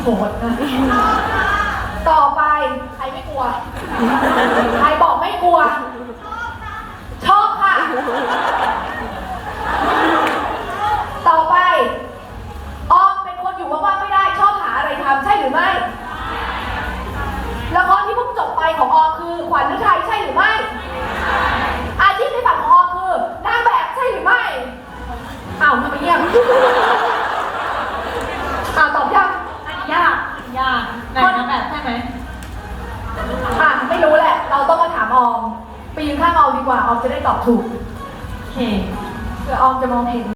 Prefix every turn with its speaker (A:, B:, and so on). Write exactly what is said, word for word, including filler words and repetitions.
A: โหดนะต่อไปใครไม่กลัวใครบอกไม่กลัวชอบค่ะต่อไปออมเป็นคนอยู่ว่างๆไม่ได้ชอบหาอะไรทำใช่หรือไม่ละครที่เพิ่งจบไปของออมคือขวัญฤทัยใช่หรือไม่อาชีพในฝันของออมคือนางแบบใช่หรือไม่อ้าวทำไมเงียบอ้าวตอบยัง
B: ยากยากไหนนางแบบใช่ไหม
A: อ่ะไม่รู้แหละเราต้องมาถามออมไปยืนข้างออมดีกว่าออมจะได้ตอบถูก
B: โอเค
A: เผื่อออมจะมองเห็น